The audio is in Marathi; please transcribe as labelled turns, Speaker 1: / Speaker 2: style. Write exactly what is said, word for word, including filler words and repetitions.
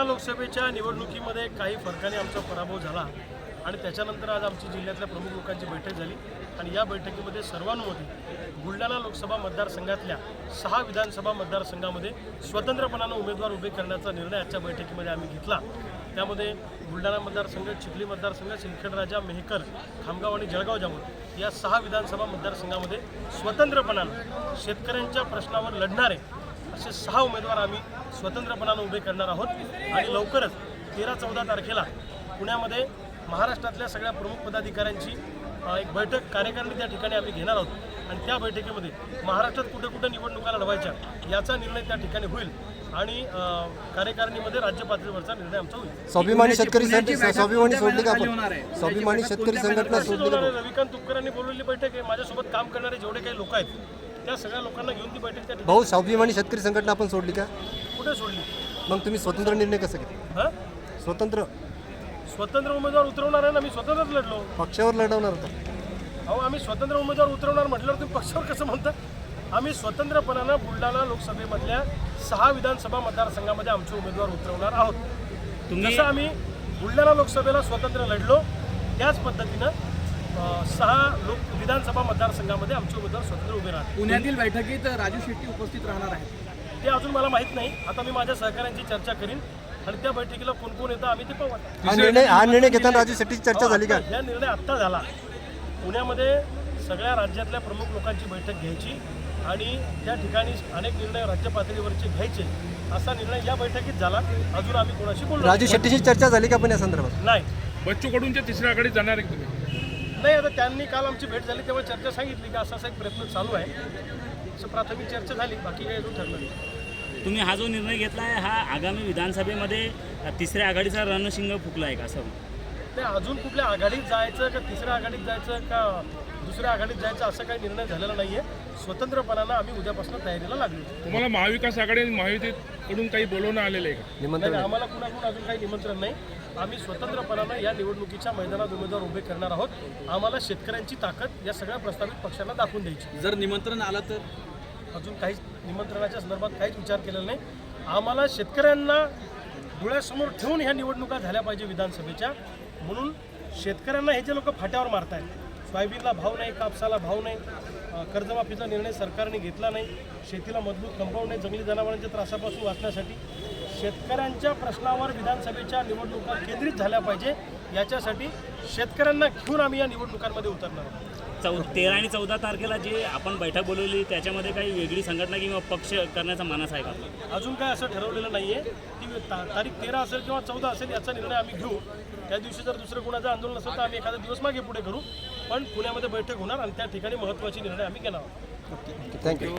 Speaker 1: लोकसभेच्या निवडणुकीमध्ये काही फरकाने आमचा पराभव झाला आणि त्याच्यानंतर आज आमची जिल्ह्यातल्या प्रमुख लोकांची बैठक झाली आणि या बैठकीमध्ये सर्वानुमते बुलढाणा लोकसभा मतदारसंघातल्या सहा विधानसभा मतदारसंघामध्ये स्वतंत्रपणानं उमेदवार उभे करण्याचा निर्णय आजच्या बैठकीमध्ये आम्ही घेतला। त्यामध्ये बुलढाणा मतदारसंघ, चिखली मतदारसंघ, सिंदखेडराजा, मेहकर, खामगाव आणि जळगाव जामोद या सहा विधानसभा मतदारसंघामध्ये स्वतंत्रपणानं शेतकऱ्यांच्या प्रश्नावर लढणारे असे सहा उमेदवार आम्ही स्वतंत्रपणानं उभे करणार आहोत आणि लवकरच तेरा चौदा तारखेला पुण्यामध्ये महाराष्ट्रातल्या सगळ्या प्रमुख पदाधिकाऱ्यांची एक बैठक कार्यकारिणी त्या ठिकाणी आम्ही घेणार आहोत आणि त्या बैठकीमध्ये महाराष्ट्रात कुठे कुठे निवडणुका लढवायच्या याचा निर्णय त्या ठिकाणी होईल आणि कार्यकारिणीमध्ये राज्य पातळीवरचा निर्णय आमचा होईल।
Speaker 2: स्वाभिमानी शेतकरी स्वाभिमानी सोडली का आपण स्वाभिमानी शेतकरी संघटना सोडली का?
Speaker 1: रविकांत तुपकरांनी बोलवलेली बैठक आहे। माझ्यासोबत काम करणारे जेवढे काही लोक आहेत त्या सगळ्या लोकांना घेऊन ती बैठक त्या
Speaker 2: भाऊ स्वाभिमानी शेतकरी संघटना आपण सोडली का?
Speaker 1: कुठे सोडली?
Speaker 2: मग तुम्ही स्वतंत्र निर्णय कसा घेतला?
Speaker 1: हां
Speaker 2: स्वतंत्र
Speaker 1: स्वतंत्र उमेदवार उतरवणार आहे ना, मी स्वतंत्रच लढलो।
Speaker 2: पक्षावर लढवणार होता?
Speaker 1: अहो आम्ही स्वतंत्र उमेदवार उतरवणार म्हटल्यावर तुम्ही पक्षावर कसं म्हणता? आम्ही स्वतंत्रपणानं बुलढाणा लोकसभेमधल्या सहा विधानसभा मतदारसंघामध्ये आमचे उमेदवार उतरवणार आहोत। जसं आम्ही बुलढाणा लोकसभेला स्वतंत्र लढलो त्याच पद्धतीनं सहा लोक विधानसभा मतदारसंघामध्ये आमचे उमेदवार स्वतंत्र उभे राहतात।
Speaker 3: पुण्यातील बैठकीत राजू शेट्टी उपस्थित राहणार आहेत
Speaker 1: ते अजून मला माहीत नाही। आता मी माझ्या सहकाऱ्यांची चर्चा करीन आणि त्या बैठकीला कोण कोण येतं आम्ही ते पाहू।
Speaker 2: हा निर्णय हा निर्णय घेताना राजू शेट्टीची चर्चा झाली का?
Speaker 1: हा निर्णय आत्ता झाला। पुण्यामध्ये सगळ्या राज्यातल्या प्रमुख लोकांची बैठक घ्यायची आणि त्या ठिकाणी अनेक निर्णय राज्य पातळीवरचे घ्यायचे असा निर्णय या बैठकीत झाला। अजून आम्ही कोणाशी बोललो
Speaker 2: राजू शेट्टीची चर्चा झाली का पण या संदर्भात?
Speaker 1: नाही।
Speaker 4: बच्चू कडूंच्या तिसऱ्या आघाडीत जाणार आहे तुम्ही?
Speaker 1: नाही, आता त्यांनी काल आमची भेट झाली तेव्हा चर्चा सांगितली की असा असा एक प्रयत्न चालू आहे, असं प्राथमिक चर्चा झाली, बाकी काही अजून ठरलं नाही।
Speaker 5: तुम्ही हा जो निर्णय घेतला आहे हा आगामी विधानसभेमध्ये तिसऱ्या आघाडीचा रणशिंग फुकला आहे का? असं
Speaker 1: ते अजून कुठल्या आघाडीत जायचं का तिसऱ्या आघाडीत जायचं का दुसऱ्या आघाडीत जायचं असं काही निर्णय झालेला नाही आहे। स्वतंत्रपणानं आम्ही उद्यापासून तयारीला लागलो।
Speaker 4: तुम्हाला महाविकास आघाडी आणि महायुतीकडून काही बोलवणं आलेलं आहे का?
Speaker 2: निमंत्रण
Speaker 1: नाही, आम्हाला कुणाकडून अजून काही निमंत्रण नाही। आम्ही स्वतंत्रपणानं या निवडणुकीच्या मैदानात उमेदवार उभे करणार आहोत। आम्हाला शेतकऱ्यांची ताकद या सगळ्या प्रस्तावित पक्षांना दाखवून द्यायची।
Speaker 3: जर निमंत्रण आलं तर
Speaker 1: अजून काहीच निमंत्रणाच्या संदर्भात काहीच विचार केलेला नाही। आम्हाला शेतकऱ्यांना डोळ्यासमोर ठेवून ह्या निवडणुका झाल्या पाहिजे विधानसभेच्या, म्हणून शेतकऱ्यांना हे जे लोक फाट्यावर मारतायत, सोयाबीनला भाव नाही, कापसाला भाव नाही, कर्जमाफीचा निर्णय सरकारने घेतला नाही, शेतीला मजबूत कंपाऊंड नाही, जंगली जनावरांच्या त्रासापासून वाचण्यासाठी शेतकऱ्यांच्या प्रश्नावर विधानसभेच्या निवडणुका केंद्रित झाल्या पाहिजे याच्यासाठी शेतकऱ्यांना घेऊन आम्ही या निवडणुकांमध्ये उतरणार आहोत।
Speaker 5: चौ तेरा आणि चौदा तारखेला जे आपण बैठक बोलवली त्याच्यामध्ये काही वेगळी संघटना किंवा पक्ष करण्याचा मानस आहे का?
Speaker 1: अजून काय असं ठरवलेलं नाही आहे। ती ता तारीख तेरा असेल किंवा चौदा असेल याचा निर्णय आम्ही घेऊ। त्या दिवशी जर दुसरं कोणाचं आंदोलन असेल तर आम्ही एखादा दिवस मागे पुढे करू, पण पुण्यामध्ये बैठक होणार आणि त्या ठिकाणी महत्त्वाचे निर्णय आम्ही घेणार आहोत।
Speaker 2: थँक्यू.